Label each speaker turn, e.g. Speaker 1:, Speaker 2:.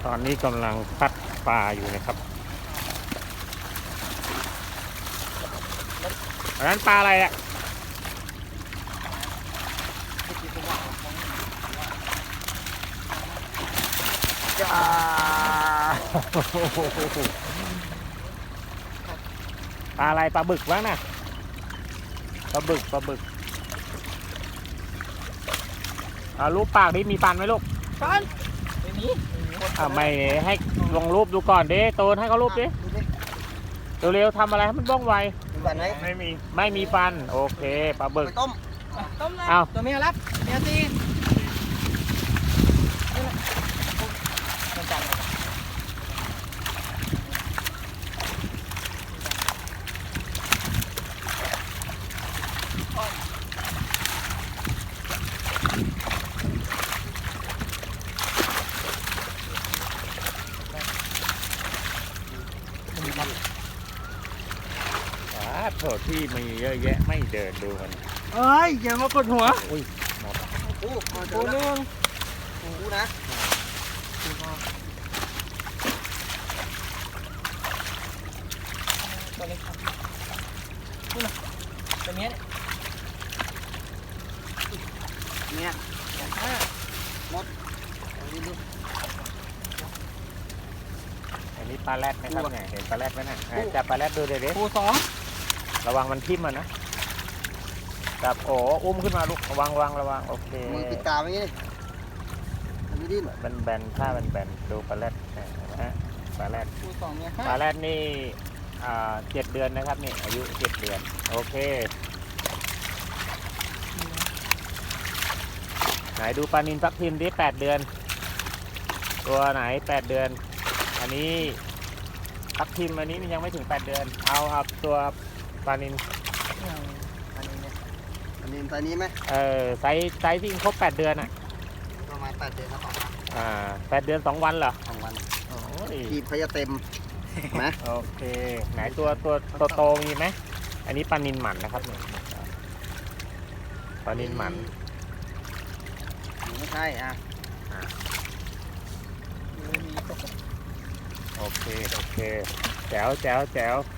Speaker 1: ตอนนี้กำลังพัดปลาอยู่นะครับอันนั้นปลาอะไรอ่ะจ้าปลาอะไรปลาบึกบ้างนะปลาบึกรูปปากดิมีฟันไหมลูก
Speaker 2: ฟันไม่มี
Speaker 1: ไม่ให้ลงรูปดูก่อนดิโตนให้เขารูปดิเร็วๆทำอะไรให้มันบ้องไว
Speaker 2: มีฟันไหม
Speaker 1: ไม่มีฟันโอเคปลาบึก
Speaker 2: ต้มเลย
Speaker 1: เอา
Speaker 2: ตัวเมียรับเมียตี
Speaker 1: โถที่มีเยอะแยะไม่เดินดูมัน
Speaker 2: เอ้ยอย่ามากดหัว
Speaker 1: อุ้ยหมด
Speaker 2: ปูนึงปูนะตัวเล็กครับปูนะตัวเมียเนี่ยหมด
Speaker 1: อันนี้ปลาแรดไหมครับเนี่ยเห็นปลาแรดไหมนะจับปลาแรดดูเดี๋ยวดิ
Speaker 2: ปูสอง
Speaker 1: ระวังมันทิ่มมันนะจับโอ้อุ้มขึ้นมาลูกระวังโอเค
Speaker 2: มือปิดตาไว้งี้มันไม่ดิ้น
Speaker 1: แบนๆถ้าแบนๆดูปลาแรดนะฮะปลาแรด
Speaker 2: ปูสองเนี่ย
Speaker 1: ปลาแรดนี่7 เดือนนะครับนี่อายุ7 เดือนโอเคไหนดูปลานิลทับทิมดิ8 เดือนตัวไหน8 เดือนอันนี้ทับทิมอันนี้มันยังไม่ถึง8 เดือนเอาตัวปลานิล
Speaker 2: อันนี้ตอนนี้ไหม
Speaker 1: ไซส์ที่ครบ8 เดือนอ่ะ
Speaker 2: ประมาณ8 เดือนครับ
Speaker 1: 8 เดือน 2 วันเหรอ
Speaker 2: 2 วัน
Speaker 1: โอ้ย
Speaker 2: กีบเขาจะเต็มนะ
Speaker 1: โอเคไหนตัวโตมีไหมอันนี้ปลานิลหมันนะครับเนี่ยปลานิลหมัน
Speaker 2: ไม่ใช่
Speaker 1: โอเคแจ๋ว